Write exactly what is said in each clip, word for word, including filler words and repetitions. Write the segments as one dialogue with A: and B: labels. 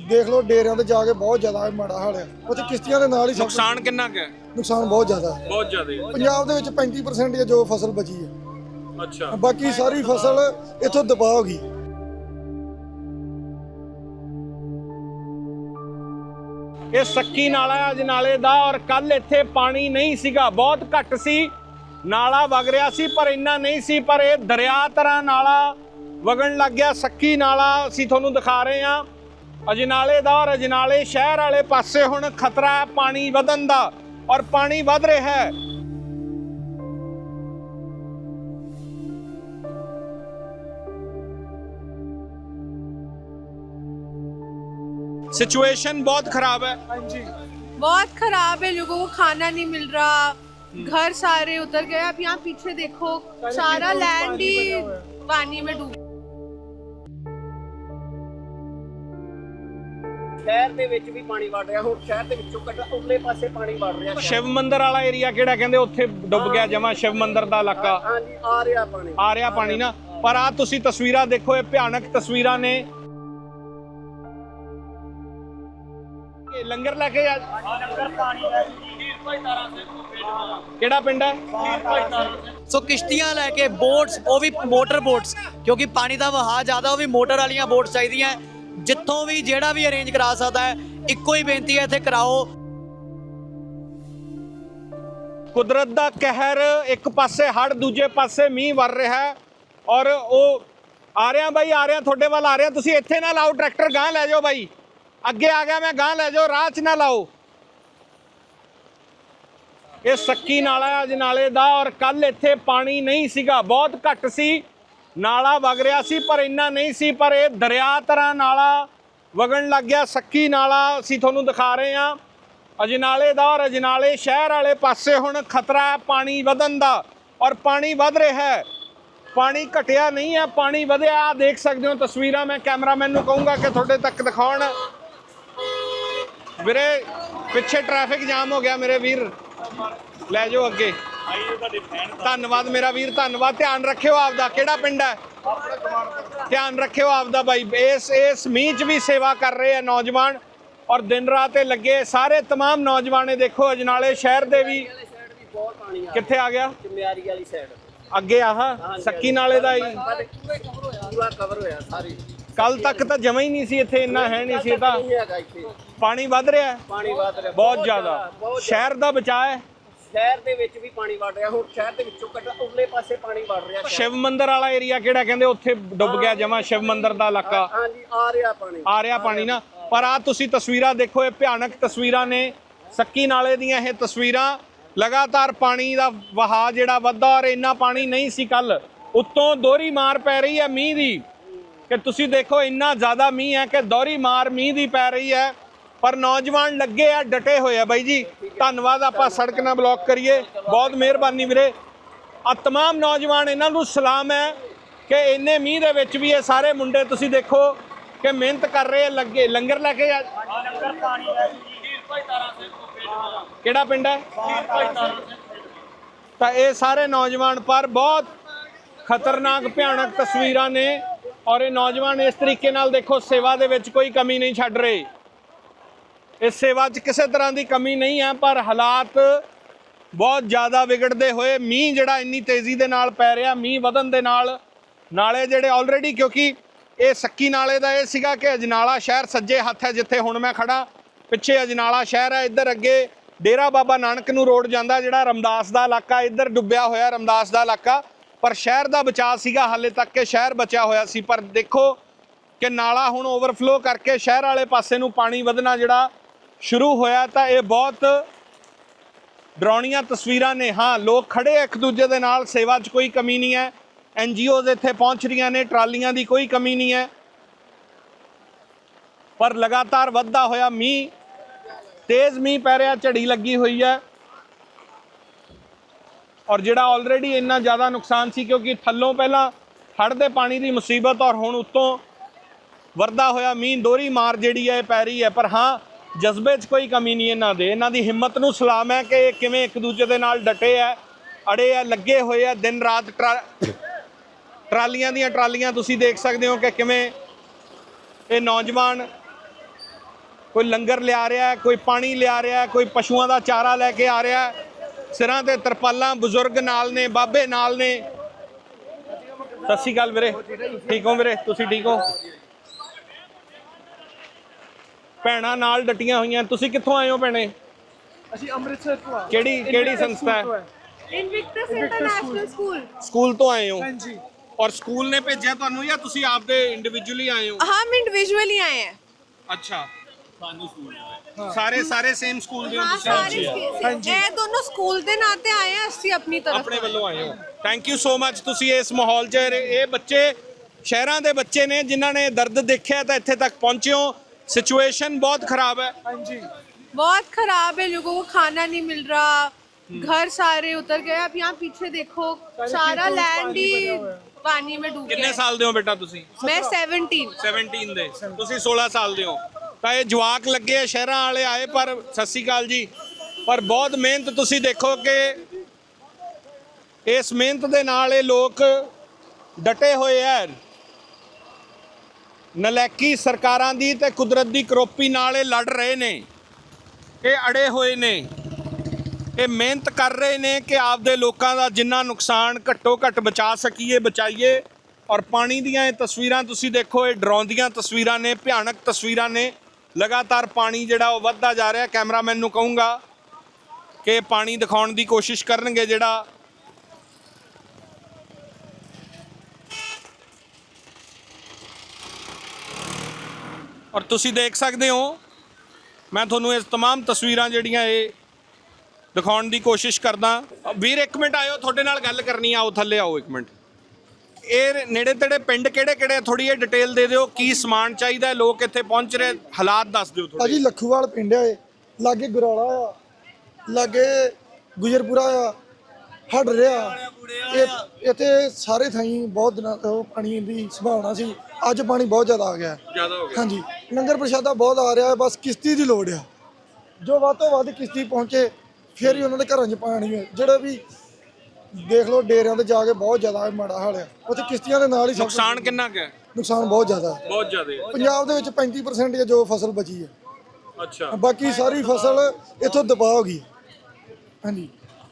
A: देख लो डेरियां ते जाके बहुत ज्यादा माड़ा हाल है उत्थे किश्तियां दे नाल ही सब
B: नुकसान कितना है?
A: नुकसान बहुत ज्यादा है।
B: बहुत ज्यादा।
A: पंजाब दे विच पैंती परसेंट जो फसल बची है,
B: अच्छा,
A: बाकी सारी फसल इथों दबा हो गई।
B: ਇਹ ਸੱਕੀ ਨਾਲਾ ਅਜਨਾਲੇ ਦਾ ਔਰ ਕੱਲ ਇੱਥੇ ਪਾਣੀ ਨਹੀਂ ਸੀਗਾ, ਬਹੁਤ ਘੱਟ ਸੀ, ਨਾਲਾ ਵਗ ਰਿਹਾ ਸੀ ਪਰ ਇੰਨਾ ਨਹੀਂ ਸੀ, ਪਰ ਇਹ ਦਰਿਆ ਤਰ੍ਹਾਂ ਨਾਲਾ ਵਗਣ ਲੱਗ ਗਿਆ। ਸੱਕੀ ਨਾਲਾ ਅਸੀਂ ਤੁਹਾਨੂੰ ਦਿਖਾ ਰਹੇ ਹਾਂ ਅਜਨਾਲੇ ਦਾ, ਔਰ ਅਜਨਾਲੇ ਸ਼ਹਿਰ ਵਾਲੇ ਪਾਸੇ ਹੁਣ ਖਤਰਾ ਹੈ ਪਾਣੀ ਵਧਣ ਦਾ, ਔਰ ਪਾਣੀ ਵਧ ਰਿਹਾ ਹੈ। सिचुएशन बहुत खराब है। हाँ जी,
C: बहुत खराब है, लोगों को खाना नहीं मिल रहा, घर सारे उतर गए। अब यहाँ पीछे देखो सारा लैंड ही पानी में डूब।
D: शहर ਦੇ ਵਿੱਚ ਵੀ ਪਾਣੀ ਵੜ ਰਿਹਾ, ਹੁਣ ਸ਼ਹਿਰ ਦੇ ਵਿੱਚੋਂ ਕੱਢ ਉਰਲੇ ਪਾਸੇ ਪਾਣੀ ਵੜ ਰਿਹਾ।
B: शिव मंदिर वाला एरिया ਕਿਹੜਾ ਕਹਿੰਦੇ ਉੱਥੇ ਡੁੱਬ ਗਿਆ ਜਮਾ, शिव मंदिर ਦਾ ਇਲਾਕਾ।
D: ਹਾਂਜੀ ਆ ਰਿਹਾ ਪਾਣੀ,
B: ਆ ਰਿਹਾ ਪਾਣੀ ਨਾ। ਪਰ ਆ ਤੁਸੀਂ ਤਸਵੀਰਾਂ ਦੇਖੋ, ਇਹ ਭਿਆਨਕ ਤਸਵੀਰਾਂ ਨੇ। ਲੰਗਰ ਲੈ ਕੇ ਆ, ਕਿਹੜਾ ਪਿੰਡ ਹੈ?
E: ਸੋ ਕਿਸ਼ਤੀਆਂ ਲੈ ਕੇ ਬੋਟਸ, ਉਹ ਵੀ ਮੋਟਰ ਬੋਟਸ, ਕਿਉਂਕਿ ਪਾਣੀ ਦਾ ਵਹਾਅ ਜ਼ਿਆਦਾ, ਉਹ ਵੀ ਮੋਟਰ ਵਾਲੀਆਂ ਬੋਟਸ ਚਾਹੀਦੀਆਂ। ਜਿੱਥੋਂ ਵੀ ਜਿਹੜਾ ਵੀ ਅਰੇਂਜ ਕਰਾ ਸਕਦਾ ਹੈ, ਇੱਕੋ ਹੀ ਬੇਨਤੀ ਹੈ ਇੱਥੇ ਕਰਾਓ।
B: ਕੁਦਰਤ ਦਾ ਕਹਿਰ, ਇੱਕ ਪਾਸੇ ਹੜ੍ਹ, ਦੂਜੇ ਪਾਸੇ ਮੀਂਹ ਵਰ ਰਿਹਾ ਹੈ, ਔਰ ਉਹ ਆ ਰਿਹਾ ਬਾਈ, ਆ ਰਿਹਾ ਤੁਹਾਡੇ ਵੱਲ ਆ ਰਿਹਾ। ਤੁਸੀਂ ਇੱਥੇ ਨਾ ਲਾਓ ਟਰੈਕਟਰ, ਗਾਂ ਲੈ ਜਾਓ ਬਾਈ, ਅੱਗੇ ਆ ਗਿਆ ਮੈਂ, ਗਾਂ ਲੈ ਜਾਓ, ਰਾਹ 'ਚ ਨਾ ਲਾਓ। ਇਹ ਸੱਕੀ ਨਾਲਾ ਅਜਨਾਲੇ ਦਾ, ਔਰ ਕੱਲ ਇੱਥੇ ਪਾਣੀ ਨਹੀਂ ਸੀਗਾ, ਬਹੁਤ ਘੱਟ ਸੀ, ਨਾਲਾ ਵਗ ਰਿਹਾ ਸੀ ਪਰ ਇੰਨਾ ਨਹੀਂ ਸੀ, ਪਰ ਇਹ ਦਰਿਆ ਤਰ੍ਹਾਂ ਨਾਲਾ ਵਗਣ ਲੱਗ ਗਿਆ। ਸੱਕੀ ਨਾਲਾ ਅਸੀਂ ਤੁਹਾਨੂੰ ਦਿਖਾ ਰਹੇ ਹਾਂ ਅਜਨਾਲੇ ਦਾ, ਔਰ ਅਜਨਾਲੇ ਸ਼ਹਿਰ ਵਾਲੇ ਪਾਸੇ ਹੁਣ ਖਤਰਾ ਹੈ ਪਾਣੀ ਵਧਣ ਦਾ, ਔਰ ਪਾਣੀ ਵਧ ਰਿਹਾ ਹੈ, ਪਾਣੀ ਘਟਿਆ ਨਹੀਂ ਹੈ, ਪਾਣੀ ਵਧਿਆ। ਆ ਦੇਖ ਸਕਦੇ ਹੋ ਤਸਵੀਰਾਂ, ਮੈਂ ਕੈਮਰਾਮੈਨ ਨੂੰ ਕਹੂੰਗਾ ਕਿ ਤੁਹਾਡੇ ਤੱਕ ਦਿਖਾਉਣ। ਵੀਰੇ ਪਿੱਛੇ ਟ੍ਰੈਫਿਕ ਜਾਮ ਹੋ ਗਿਆ ਮੇਰੇ ਵੀਰ, ਲੈ ਜਾਓ ਅੱਗੇ। ਧੰਨਵਾਦ ਮੇਰਾ ਵੀਰ, ਧੰਨਵਾਦ। ਧਿਆਨ ਰੱਖਿਓ ਆਪਦਾ। ਕਿਹੜਾ ਪਿੰਡ ਹੈ? ਧਿਆਨ ਰੱਖਿਓ ਆਪਦਾ ਬਾਈ। ਇਸ ਇਸ ਮੀਂਹ 'ਚ ਵੀ ਸੇਵਾ ਕਰ ਰਹੇ ਆ ਨੌਜਵਾਨ, ਔਰ ਦਿਨ ਰਾਤ ਇਹ ਲੱਗੇ ਸਾਰੇ ਤਮਾਮ ਨੌਜਵਾਨ। ਦੇਖੋ ਅਜਨਾਲੇ ਸ਼ਹਿਰ ਦੇ ਵੀ
D: ਬਹੁਤ ਪਾਣੀ ਆ।
B: ਕਿੱਥੇ ਆ ਗਿਆ?
D: ਚਮਿਆਰੀ ਵਾਲੀ ਸਾਈਡ
B: ਅੱਗੇ ਆਹ ਸੱਕੀ ਨਾਲੇ ਦਾ ਹੀ
D: ਪੂਰਾ ਕਵਰ ਹੋਇਆ ਸਾਰੀ।
B: ਕੱਲ ਤੱਕ ਤਾਂ ਜਮਾ ਹੀ ਨਹੀਂ ਸੀ ਇੱਥੇ, ਇੰਨਾ ਹੈ ਨਹੀਂ ਸੀ। ਤਾਂ
D: ਇੱਥੇ
B: ਪਾਣੀ ਵੱਧ ਰਿਹਾ,
D: ਪਾਣੀ ਵਧ ਰਿਹਾ
B: ਬਹੁਤ ਜ਼ਿਆਦਾ। ਸ਼ਹਿਰ ਦਾ ਬਚਾਅ ਹੈ,
D: ਸ਼ਹਿਰ ਦੇ ਵਿੱਚ ਵੀ ਪਾਣੀ ਵੜ ਰਿਹਾ, ਹੁਣ ਸ਼ਹਿਰ ਦੇ ਵਿੱਚੋਂ ਕੱਢ ਉਰਲੇ ਪਾਸੇ ਪਾਣੀ ਵੜ ਰਿਹਾ।
B: शिव मंदिर वाला एरिया ਕਿਹੜਾ ਕਹਿੰਦੇ ਉੱਥੇ ਡੁੱਬ ਗਿਆ ਜਮਾ, शिव मंदिर ਦਾ ਇਲਾਕਾ।
D: ਹਾਂਜੀ ਆ ਰਿਹਾ ਪਾਣੀ,
B: ਆ ਰਿਹਾ ਪਾਣੀ ਨਾ। ਪਰ ਆ ਤੁਸੀਂ ਤਸਵੀਰਾਂ ਦੇਖੋ, ਇਹ ਭਿਆਨਕ ਤਸਵੀਰਾਂ ਨੇ ਸੱਕੀ ਨਾਲੇ ਦੀਆਂ। ਇਹ ਤਸਵੀਰਾਂ ਲਗਾਤਾਰ ਪਾਣੀ ਦਾ ਵਹਾਅ ਜਿਹੜਾ ਵੱਧਦਾ, ਔਰ ਇੰਨਾ ਪਾਣੀ ਨਹੀਂ ਸੀ ਕੱਲ। ਉੱਤੋਂ ਦੋਹਰੀ ਮਾਰ ਪੈ ਰਹੀ ਹੈ ਮੀਂਹ ਦੀ, ਕਿ ਤੁਸੀਂ ਦੇਖੋ ਇੰਨਾ ਜ਼ਿਆਦਾ ਮੀਂਹ ਹੈ ਕਿ ਦੋਹਰੀ ਮਾਰ ਮੀਂਹ ਦੀ ਪੈ ਰਹੀ ਹੈ। ਪਰ ਨੌਜਵਾਨ ਲੱਗੇ ਆ, ਡਟੇ ਹੋਏ ਆ ਬਾਈ ਜੀ। ਧੰਨਵਾਦ। ਆਪਾਂ ਸੜਕ ਨਾ ਬਲੌਕ ਕਰੀਏ, ਬਹੁਤ ਮਿਹਰਬਾਨੀ ਵੀਰੇ। ਆ ਤਮਾਮ ਨੌਜਵਾਨ, ਇਹਨਾਂ ਨੂੰ ਸਲਾਮ ਹੈ ਕਿ ਇੰਨੇ ਮੀਂਹ ਦੇ ਵਿੱਚ ਵੀ ਇਹ ਸਾਰੇ ਮੁੰਡੇ ਤੁਸੀਂ ਦੇਖੋ ਕਿ ਮਿਹਨਤ ਕਰ ਰਹੇ ਆ, ਲੱਗੇ। ਲੰਗਰ ਲੈ ਕੇ ਆ, ਕਿਹੜਾ ਪਿੰਡ ਹੈ? ਤਾਂ ਇਹ ਸਾਰੇ ਨੌਜਵਾਨ, ਪਰ ਬਹੁਤ ਖਤਰਨਾਕ ਭਿਆਨਕ ਤਸਵੀਰਾਂ ਨੇ, ਔਰ ਇਹ ਨੌਜਵਾਨ ਇਸ ਤਰੀਕੇ ਨਾਲ ਦੇਖੋ ਸੇਵਾ ਦੇ ਵਿੱਚ ਕੋਈ ਕਮੀ ਨਹੀਂ ਛੱਡ ਰਹੇ। ਇਸ ਸੇਵਾ 'ਚ ਕਿਸੇ ਤਰ੍ਹਾਂ ਦੀ ਕਮੀ ਨਹੀਂ ਹੈ, ਪਰ ਹਾਲਾਤ ਬਹੁਤ ਜ਼ਿਆਦਾ ਵਿਗੜਦੇ ਹੋਏ, ਮੀਂਹ ਜਿਹੜਾ ਇੰਨੀ ਤੇਜ਼ੀ ਦੇ ਨਾਲ ਪੈ ਰਿਹਾ, ਮੀਂਹ ਵਧਣ ਦੇ ਨਾਲ ਨਾਲੇ ਜਿਹੜੇ ਆਲਰੇਡੀ, ਕਿਉਂਕਿ ਇਹ ਸੱਕੀ ਨਾਲੇ ਦਾ ਇਹ ਸੀਗਾ ਕਿ ਅਜਨਾਲਾ ਸ਼ਹਿਰ ਸੱਜੇ ਹੱਥ ਹੈ ਜਿੱਥੇ ਹੁਣ ਮੈਂ ਖੜਾ, ਪਿੱਛੇ ਅਜਨਾਲਾ ਸ਼ਹਿਰ ਹੈ, ਇੱਧਰ ਅੱਗੇ ਡੇਰਾ ਬਾਬਾ ਨਾਨਕ ਨੂੰ ਰੋਡ ਜਾਂਦਾ, ਜਿਹੜਾ ਰਮਦਾਸ ਦਾ ਇਲਾਕਾ, ਇੱਧਰ ਡੁੱਬਿਆ ਹੋਇਆ ਰਮਦਾਸ ਦਾ ਇਲਾਕਾ। ਪਰ ਸ਼ਹਿਰ ਦਾ ਬਚਾਅ ਸੀਗਾ ਹਾਲੇ ਤੱਕ, ਕਿ ਸ਼ਹਿਰ ਬਚਿਆ ਹੋਇਆ ਸੀ। ਪਰ ਦੇਖੋ ਕਿ ਨਾਲਾ ਹੁਣ ਓਵਰਫਲੋ ਕਰਕੇ ਸ਼ਹਿਰ ਵਾਲੇ ਪਾਸੇ ਨੂੰ ਪਾਣੀ ਵਧਣਾ ਜਿਹੜਾ ਸ਼ੁਰੂ ਹੋਇਆ। ਤਾਂ ਇਹ ਬਹੁਤ ਡਰਾਉਣੀਆਂ ਤਸਵੀਰਾਂ ਨੇ। ਹਾਂ, ਲੋਕ ਖੜੇ ਇੱਕ ਦੂਜੇ ਦੇ ਨਾਲ, ਸੇਵਾ 'ਚ ਕੋਈ ਕਮੀ ਨਹੀਂ ਹੈ। ਐਨ ਜੀ ਓਜ਼ ਇੱਥੇ ਪਹੁੰਚ ਰਹੀਆਂ ਨੇ, ਟਰਾਲੀਆਂ ਦੀ ਕੋਈ ਕਮੀ ਨਹੀਂ ਹੈ। ਪਰ ਲਗਾਤਾਰ ਵੱਧਦਾ ਹੋਇਆ ਮੀਂਹ, ਤੇਜ਼ ਮੀਂਹ ਪੈ ਰਿਹਾ, ਝੜੀ ਲੱਗੀ ਹੋਈ ਹੈ, ਔਰ ਜਿਹੜਾ ਆਲਰੇਡੀ ਇੰਨਾ ਜ਼ਿਆਦਾ ਨੁਕਸਾਨ ਸੀ, ਕਿਉਂਕਿ ਥੱਲੋਂ ਪਹਿਲਾਂ ਹੜ੍ਹ ਦੇ ਪਾਣੀ ਦੀ ਮੁਸੀਬਤ, ਔਰ ਹੁਣ ਉੱਤੋਂ ਵਰਦਾ ਹੋਇਆ ਮੀਂਹ, ਦੋਹਰੀ ਮਾਰ ਜਿਹੜੀ ਹੈ ਪੈ ਰਹੀ ਹੈ। ਪਰ ਹਾਂ, ਜਜ਼ਬੇ 'ਚ ਕੋਈ ਕਮੀ ਨਹੀਂ ਇਹਨਾਂ ਦੇ, ਇਹਨਾਂ ਦੀ ਹਿੰਮਤ ਨੂੰ ਸਲਾਮ ਹੈ ਕਿ ਕਿਵੇਂ ਇੱਕ ਦੂਜੇ ਦੇ ਨਾਲ ਡਟੇ ਹੈ, ਅੜੇ ਆ, ਲੱਗੇ ਹੋਏ ਆ ਦਿਨ ਰਾਤ। ਟਰਾਲੀਆਂ ਦੀਆਂ ਟਰਾਲੀਆਂ ਤੁਸੀਂ ਦੇਖ ਸਕਦੇ ਹੋ ਕਿ ਕਿਵੇਂ ਇਹ ਨੌਜਵਾਨ ਕੋਈ ਲੰਗਰ ਲਿਆ ਰਿਹਾ, ਕੋਈ ਪਾਣੀ ਲਿਆ ਰਿਹਾ, ਕੋਈ ਪਸ਼ੂਆਂ ਦਾ ਚਾਰਾ ਲੈ ਕੇ ਆ ਰਿਹਾ। ਸਿਰਾਂ ਤੇ ਤਰਪਾਲਾਂ, ਬਜ਼ੁਰਗ ਨਾਲ ਨੇ, ਬਾਬੇ ਨਾਲ ਨੇ। ਸਤਿ ਸ਼੍ਰੀ ਅਕਾਲ ਵੀਰੇ, ਠੀਕ ਹੋ ਵੀਰੇ? ਤੁਸੀਂ ਠੀਕ ਹੋ? ਭੈਣਾਂ ਨਾਲ ਡਟੀਆਂ ਹੋਈਆਂ। ਤੁਸੀਂ ਕਿੱਥੋਂ ਆਏ ਹੋ ਭੈਣੇ?
A: ਅਸੀਂ ਅੰਮ੍ਰਿਤਸਰ ਤੋਂ ਆ
B: ਕਿਹੜੀ ਕਿਹੜੀ ਸੰਸਥਾ ਹੈ?
C: Invictus international school.
B: ਸਕੂਲ ਤੋਂ ਆਏ ਹੋ?
A: ਹਾਂਜੀ।
B: ਔਰ ਸਕੂਲ ਨੇ ਭੇਜਿਆ ਤੁਹਾਨੂੰ ਜਾਂ ਤੁਸੀਂ ਆਪਦੇ ਇੰਡੀਵਿਜੂਅਲੀ ਆਏ ਹੋ?
C: हम इंडिविजुअली आए हैं।
B: ਅੱਛਾ, ਸਾਰੇ ਸਾਰੇ ਸੇਮ ਸਕੂਲ ਦੇ ਹੋ
C: हाँ
B: ਤੁਸੀਂ?
C: सारे ये दोनों स्कूल ਦੇ ਨਾਂ ਤੇ ਆਏ हैं, ਅਸੀਂ ਆਪਣੀ ਤਰਫ
B: ਆਪਣੇ ਵੱਲੋਂ ਆਏ ਹੋ। Thank you so much. ਤੁਸੀਂ ਇਸ ਮਾਹੌਲ 'ਚ ਇਹ ਬੱਚੇ ਸ਼ਹਿਰਾਂ ਦੇ ਬੱਚੇ ਨੇ ਜਿਨ੍ਹਾਂ ਨੇ ਦਰਦ ਦੇਖਿਆ ਤਾਂ ਇੱਥੇ ਤੱਕ ਪਹੁੰਚੇ ਹੋ। ਸਿਚੁਏਸ਼ਨ ਬਹੁਤ ਖਰਾਬ ਹੈ।
A: ਹਾਂਜੀ।
C: बहुत खराब है, लोगों को खाना नहीं मिल रहा, घर सारे उतर गए। आप यहाँ पीछे देखो, सारा लैंड ही पानी में डूब
B: ਕਿੰਨੇ
C: गया।
B: ਸਾਲ ਦੇ ਹੋ ਬੇਟਾ ਤੁਸੀਂ?
C: मैं सेवनटीन।
B: ਸੈਵਨਟੀਨ ਦੇ। ਤੁਸੀਂ ਸੋਲਾਂ ਸਾਲ ਦੇ ਹੋ। ਤਾਂ ਇਹ ਜਵਾਕ ਲੱਗੇ ਆ, ਸ਼ਹਿਰਾਂ ਵਾਲੇ ਆਏ। ਪਰ ਸਤਿ ਸ਼੍ਰੀ ਅਕਾਲ ਜੀ। ਪਰ ਬਹੁਤ ਮਿਹਨਤ ਤੁਸੀਂ ਦੇਖੋ ਕਿ ਇਸ ਮਿਹਨਤ ਦੇ ਨਾਲ ਇਹ ਲੋਕ ਡਟੇ ਹੋਏ ਆ। ਨਲਾਇਕੀ ਸਰਕਾਰਾਂ ਦੀ ਤੇ ਕੁਦਰਤ ਦੀ ਕਰੋਪੀ ਨਾਲ ਇਹ ਲੜ ਰਹੇ ਨੇ। ਇਹ ਅੜੇ ਹੋਏ ਨੇ, ਇਹ ਮਿਹਨਤ ਕਰ ਰਹੇ ਨੇ ਕਿ ਆਪਦੇ ਲੋਕਾਂ ਦਾ ਜਿੰਨਾ ਨੁਕਸਾਨ ਘੱਟੋ ਘੱਟ ਬਚਾ ਸਕੀਏ ਬਚਾਈਏ। ਔਰ ਪਾਣੀ ਦੀਆਂ ਇਹ ਤਸਵੀਰਾਂ ਤੁਸੀਂ ਦੇਖੋ, ਇਹ ਡਰਾਉਂਦੀਆਂ ਤਸਵੀਰਾਂ ਨੇ, ਭਿਆਨਕ ਤਸਵੀਰਾਂ ਨੇ। ਲਗਾਤਾਰ ਪਾਣੀ ਜਿਹੜਾ ਉਹ ਵੱਧਦਾ ਜਾ ਰਿਹਾ। ਕੈਮਰਾਮੈਨ ਨੂੰ ਕਹੂੰਗਾ ਕਿ ਪਾਣੀ ਦਿਖਾਉਣ ਦੀ ਕੋਸ਼ਿਸ਼ ਕਰਨਗੇ ਜਿਹੜਾ ਔਰ ਤੁਸੀਂ ਦੇਖ ਸਕਦੇ ਹੋ। ਮੈਂ ਤੁਹਾਨੂੰ ਇਸ तमाम ਤਸਵੀਰਾਂ ਜਿਹੜੀਆਂ ਇਹ ਦਿਖਾਉਣ ਦੀ ਕੋਸ਼ਿਸ਼ ਕਰਦਾ। ਵੀਰ ਇੱਕ ਮਿੰਟ ਆਇਓ, ਤੁਹਾਡੇ ਨਾਲ ਗੱਲ ਕਰਨੀ ਆ। ਆਓ ਥੱਲੇ ਆਓ ਇੱਕ ਮਿੰਟ। ਇਹ ਨੇੜੇ ਤੇੜੇ ਪਿੰਡ ਕਿਹੜੇ ਕਿਹੜੇ ਥੋੜੀ ਜਿਹੀ ਡਿਟੇਲ ਦੇ ਦਿਓ। ਕੀ ਸਮਾਨ ਚਾਹੀਦਾ, ਲੋਕ ਇੱਥੇ ਪਹੁੰਚ ਰਹੇ, ਹਾਲਾਤ ਦੱਸ ਦਿਓ ਥੋੜੇ।
A: ਭਾਜੀ ਲੱਖੂਵਾਲ ਪਿੰਡ ਆ, ਇਹ ਲਾਗੇ ਗੁਰਾਲਾ ਆ, ਲਾਗੇ ਗੁਜਰਪੁਰਾ ਆ, ਹੜ ਰਿਹਾ। ਇਹ ਇੱਥੇ ਸਾਰੇ ਥਾਈਂ ਬਹੁਤ ਦਿਨਾਂ ਤੋਂ ਪਾਣੀ ਦੀ ਸੰਭਾਵਨਾ ਸੀ। ਅੱਜ ਪਾਣੀ ਬਹੁਤ ਜ਼ਿਆਦਾ ਆ ਗਿਆ।
B: ਜ਼ਿਆਦਾ ਹੋ ਗਿਆ।
A: ਹਾਂਜੀ, ਲੰਗਰ ਪ੍ਰਸ਼ਾਦਾ ਬਹੁਤ ਆ ਰਿਹਾ। ਬਸ ਕਿਸ਼ਤੀ ਦੀ ਲੋੜ ਆ, ਜੋ ਵੱਧ ਤੋਂ ਵੱਧ ਕਿਸ਼ਤੀ ਪਹੁੰਚੇ ਫਿਰ ਹੀ ਉਹਨਾਂ ਦੇ ਘਰਾਂ 'ਚ ਪਾਣੀ ਹੈ। ਜਿਹੜੇ ਵੀ ਦੇਖ ਲਓ ਡੇਰਿਆਂ ਤੇ ਜਾ ਕੇ ਬਹੁਤ ਜ਼ਿਆਦਾ ਮਾੜਾ ਹਾਲ ਆ। ਉੱਥੇ ਕਿਸ਼ਤੀਆਂ ਦੇ ਨਾਲ ਹੀ ਸਭ
B: ਨੁਕਸਾਨ ਕਿੰਨਾ ਕੁ ਹੈ?
A: ਨੁਕਸਾਨ ਬਹੁਤ ਜ਼ਿਆਦਾ ਹੈ।
B: ਬਹੁਤ ਜ਼ਿਆਦਾ।
A: ਪੰਜਾਬ ਦੇ ਵਿੱਚ ਪੈਂਤੀ ਪਰਸੈਂਟ ਹੈ ਜੋ ਫਸਲ ਬਚੀ ਹੈ।
B: ਅੱਛਾ,
A: ਬਾਕੀ ਸਾਰੀ ਫਸਲ ਇੱਥੋਂ ਦਬਾਅ ਹੋ ਗਈ। ਹਾਂਜੀ।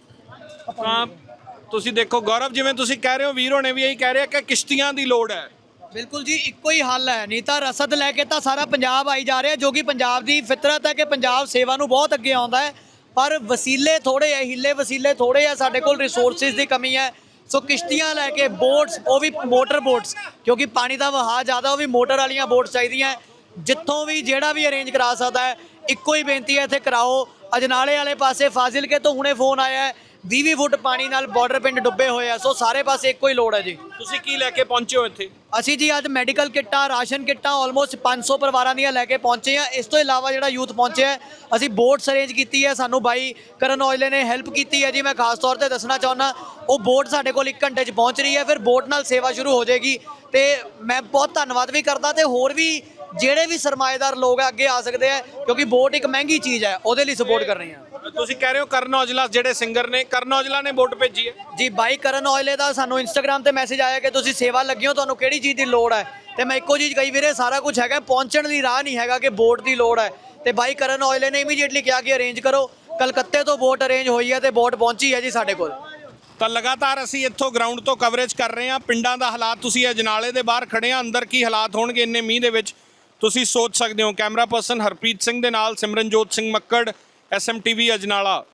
B: ਤਾਂ ਤੁਸੀਂ ਦੇਖੋ ਗੌਰਵ, ਜਿਵੇਂ ਤੁਸੀਂ ਕਹਿ ਰਹੇ ਹੋ, ਵੀਰ ਹੋਣੇ ਵੀ ਇਹੀ ਕਹਿ ਰਹੇ ਆ ਕਿ ਕਿਸ਼ਤੀਆਂ ਦੀ ਲੋੜ ਹੈ।
E: ਬਿਲਕੁਲ ਜੀ, ਇੱਕੋ ਹੀ ਹੱਲ ਹੈ। ਨਹੀਂ ਤਾਂ ਰਸਦ ਲੈ ਕੇ ਤਾਂ ਸਾਰਾ ਪੰਜਾਬ ਆਈ ਜਾ ਰਿਹਾ, ਜੋ ਕਿ ਪੰਜਾਬ ਦੀ ਫਿਤਰਤ ਹੈ ਕਿ ਪੰਜਾਬ ਸੇਵਾ ਨੂੰ ਬਹੁਤ ਅੱਗੇ ਆਉਂਦਾ ਹੈ। ਪਰ ਵਸੀਲੇ ਥੋੜੇ ਹੈ, ਹਿੱਲੇ ਵਸੀਲੇ ਥੋੜੇ ਹੈ, ਸਾਡੇ ਕੋਲ ਰਿਸੋਰਸਿਸ ਦੀ ਕਮੀ ਹੈ। ਸੋ ਕਿਸ਼ਤੀਆਂ ਲੈ ਕੇ, ਬੋਟਸ, ਉਹ ਵੀ ਮੋਟਰ ਬੋਟਸ, ਕਿਉਂਕਿ ਪਾਣੀ ਦਾ ਵਹਾਅ ਜ਼ਿਆਦਾ, ਉਹ ਵੀ ਮੋਟਰ ਵਾਲੀਆਂ ਬੋਟਸ ਚਾਹੀਦੀਆਂ। ਜਿੱਥੋਂ ਵੀ ਜਿਹੜਾ ਵੀ ਅਰੇਂਜ ਕਰਾ ਸਕਦਾ ਹੈ, ਇੱਕੋ ਹੀ ਬੇਨਤੀ ਹੈ, ਇੱਥੇ ਕਰਾਓ। ਅਜਨਾਲੇ ਵਾਲੇ ਪਾਸੇ ਫਾਜ਼ਿਲਕੇ ਤੋਂ ਹੁਣੇ ਫੋਨ ਆਇਆ ਹੈ, ਵੀਹ ਵੀਹ ਫੁੱਟ ਪਾਣੀ ਨਾਲ ਬਾਰਡਰ ਪਿੰਡ ਡੁੱਬੇ ਹੋਏ ਆ। ਸੋ ਸਾਰੇ ਪਾਸੇ ਇੱਕੋ ਹੀ ਲੋੜ ਹੈ ਜੀ।
B: ਤੁਸੀਂ ਕੀ ਲੈ ਕੇ ਪਹੁੰਚੇ ਹੋ ਇੱਥੇ?
E: ਅਸੀਂ ਜੀ ਅੱਜ ਮੈਡੀਕਲ ਕਿੱਟਾਂ, ਰਾਸ਼ਨ ਕਿੱਟਾਂ ਆਲਮੋਸਟ ਪੰਜ ਸੌ ਪਰਿਵਾਰਾਂ ਦੀਆਂ ਲੈ ਕੇ ਪਹੁੰਚੇ ਆ। ਇਸ ਤੋਂ ਇਲਾਵਾ ਜਿਹੜਾ ਯੂਥ ਪਹੁੰਚਿਆ ਹੈ, ਅਸੀਂ ਬੋਟਸ ਅਰੇਂਜ ਕੀਤੀ ਹੈ। ਸਾਨੂੰ ਬਾਈ ਕਰਨ ਔਜਲੇ ਨੇ ਹੈਲਪ ਕੀਤੀ ਹੈ ਜੀ। ਮੈਂ ਖਾਸ ਤੌਰ ਤੇ ਦੱਸਣਾ ਚਾਹੁੰਦਾ, ਉਹ ਬੋਟ ਸਾਡੇ ਕੋਲ ਇੱਕ ਘੰਟੇ 'ਚ ਪਹੁੰਚ ਰਹੀ ਹੈ। ਫਿਰ ਬੋਟ ਨਾਲ ਸੇਵਾ ਸ਼ੁਰੂ ਹੋ ਜਾਏਗੀ। ਤੇ ਮੈਂ ਬਹੁਤ ਧੰਨਵਾਦ ਵੀ ਕਰਦਾ, ਤੇ ਹੋਰ ਵੀ ਜਿਹੜੇ ਵੀ ਸਰਮਾਏਦਾਰ ਲੋਕ ਆ ਅੱਗੇ ਆ ਸਕਦੇ ਆ, ਕਿਉਂਕਿ ਬੋਟ ਇੱਕ ਮਹਿੰਗੀ ਚੀਜ਼ ਹੈ, ਉਹਦੇ ਲਈ ਸਪੋਰਟ ਕਰ ਰਹੇ ਹਾਂ।
B: ਤੁਸੀਂ ਕਹਿ ਰਹੇ ਹੋ ਕਰਨ ਔਜਲਾ ਜਿਹੜੇ ਸਿੰਗਰ ਨੇ, ਕਰਨ ਔਜਲਾ ਨੇ ਵੋਟ ਭੇਜੀ ਹੈ
E: ਜੀ। ਬਾਈ ਕਰਨ ਔਜਲੇ ਦਾ ਸਾਨੂੰ ਇੰਸਟਾਗ੍ਰਾਮ ਤੇ ਮੈਸੇਜ ਆਇਆ ਕਿ ਤੁਸੀਂ ਸੇਵਾ ਲੱਗੇ ਹੋ, ਤੁਹਾਨੂੰ ਕਿਹੜੀ ਚੀਜ਼ ਦੀ ਲੋੜ ਹੈ। ਤੇ ਮੈਂ ਇੱਕੋ ਚੀਜ਼ ਕਹੀ, ਵੀਰੇ ਸਾਰਾ ਕੁਝ ਹੈਗਾ, ਪਹੁੰਚਣ ਦੀ ਰਾਹ ਨਹੀਂ ਹੈਗਾ ਕਿ ਵੋਟ ਦੀ ਲੋੜ ਹੈ। ਤੇ ਬਾਈ ਕਰਨ ਔਜਲੇ ਨੇ ਇਮੀਡੀਏਟਲੀ ਕਿਹਾ ਕਿ ਅਰੇਂਜ ਕਰੋ। ਕਲਕੱਤੇ ਤੋਂ ਵੋਟ ਅਰੇਂਜ ਹੋਈ ਹੈ ਤੇ ਵੋਟ ਪਹੁੰਚੀ ਹੈ ਜੀ ਸਾਡੇ ਕੋਲ।
B: ਤਾਂ ਲਗਾਤਾਰ ਅਸੀਂ ਇੱਥੋਂ ਗਰਾਊਂਡ ਤੋਂ ਕਵਰੇਜ ਕਰ ਰਹੇ ਹਾਂ। ਪਿੰਡਾਂ ਦਾ ਹਾਲਾਤ, ਤੁਸੀਂ ਅਜਨਾਲੇ ਦੇ ਬਾਹਰ ਖੜੇ ਆ, ਅੰਦਰ ਕੀ ਹਾਲਾਤ ਹੋਣਗੇ ਇੰਨੇ ਮੀਂਹ ਦੇ ਵਿੱਚ ਤੁਸੀਂ ਸੋਚ ਸਕਦੇ ਹੋ। ਕੈਮਰਾ ਪਰਸਨ ਹਰਪ੍ਰੀਤ ਸਿੰਘ ਦੇ ਨਾਲ Simranjot Singh Makkar, S M T V Ajnala.